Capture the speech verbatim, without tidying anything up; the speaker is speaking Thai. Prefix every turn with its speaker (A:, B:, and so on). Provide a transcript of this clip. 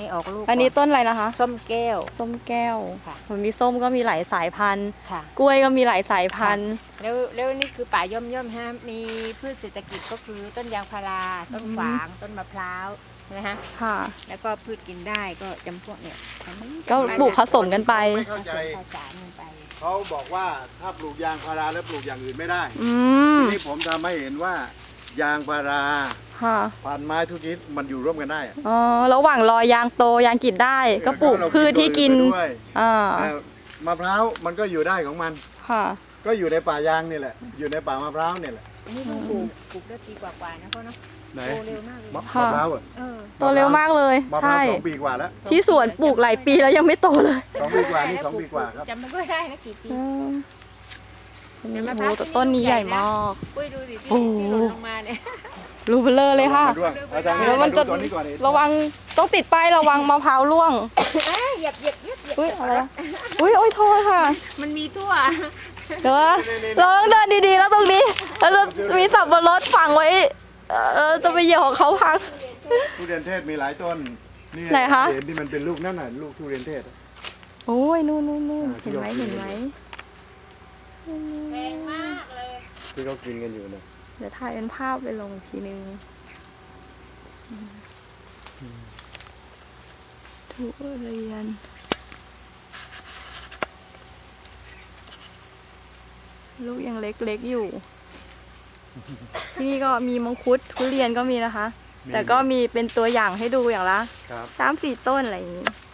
A: ออกลูก
B: อันนี้ต้นอะไรนะคะ
A: ส้มแก้ว
B: ส้มแก้ว
A: ค่ะ
B: มันมีส้มก็มีหลายสายพันธุ์
A: ค่ะ
B: กล้วยก็มีหลายสายพันธุ์
A: แล้วแล้วนี่คือป่าย่อมย่อมฮะมีพืชเศรษฐกิจก็คือต้นยางพาราต้นฝางต้นมะพร้าวใช่ไหมฮะ
B: ค่ะ
A: แล้วก็พืชกินได้ก็จำพวกเนี่ยอันนี้
B: ก็ปลูกผสมกันไป
C: ไม่
A: ผ
C: เข้า
A: ส
C: ใจ
A: มผสานกันไป
C: เขาบอกว่าถ้าปลูกยางพาราแล้วปลูกอย่างอื่นไม่ได้
B: อืม
C: นี่ผมทำให้เห็นว่ายางพารา
B: ค่ะ
C: พันไม้ทุกชนิดมันอยู่ร่วมกันได้อะ
B: อ๋อระหว่างรอยางโตยางกินได้ ก็ปลูก
C: เรา
B: พืชที่กิน
C: ตัวอื่ไปด้วย
B: อ่า
C: เอ่อมะพร้าวมันก็อยู่ได้ของมัน
B: ค่ะ
C: ก็อยู่ในป่ายางนี่แหละ อยู่ในป่ามะพร้าวนี่แหละ
A: อันนี้เพิ่งปลูกปลูกได้ปีกว่าๆนะพ่อเนาะ
C: ไหน
A: โตเร็วมากเลย
C: มะ
B: ค่ะ
C: มะพร้าวอะ
A: เออ
B: โตเร็วมากเลย
C: มะพร้าว
B: ใช่
C: สองปีกว่าแล้ว
B: ที่สวนปลูกหลายปีแล้วยังไม่โตเลย
C: สองปีกว่านี่สองปีกว่าครับ
A: จำไม่ค่อยได้นะกี่ปี
B: อืมโอ้
A: แต่มะ
B: โห
A: พร้าว
B: แต่ต้นนี้ใหญ่มาก
A: ปุ้ยดูสิที่
B: โอ้โห
A: ที่หล่นลงมาเนี่ย
B: รูเบลอเลยค่ะ
C: ด้วยอาจารย์
B: แล้วมันจะ
C: ดูตัวนี้ก่อนดิ
B: ระวังต้องติดป้ายระวังมะพร้าวร่วง
A: เหยียบเหยียบเหยียบเหยียบ
B: อุ้ยอะไรอะอุ้ยโอ้ยโทษค่ะ
A: มันมีทั่ว
B: เดี๋ยวนะเราต้องเดินดีๆแล้วตรงนี้แล้วจะมีสับปะรดฝังไว้เอ่อเราจะไปเหยียบของเขาพัง
C: ทุเรียนเทศมีหลายต้นนี่
B: ไหนคะ
C: เห็นที่มันเป็นลูกนั่นน่ะลูกทุเรียนเทศอะ
B: โอ้ยนู่นนู่นนู่น
C: อ่าที่
B: เห็นไหม
C: เรากิน
B: เห็นไหม
A: แพงมากเลย
C: ที่เขากินกันอยู่เนี่ย
B: เดี๋ยวถ่ายเป็นภาพไปลงอีกทีนึงทุเรียนลูกยังเล็กๆอยู่ ที่นี่ก็มีมังคุดทุเรียนก็มีนะคะ แต่ก็มีเป็นตัวอย่างให้ดูอย่างละ
C: ครับ
B: สามสี่ต้นอะไรอย่างนี้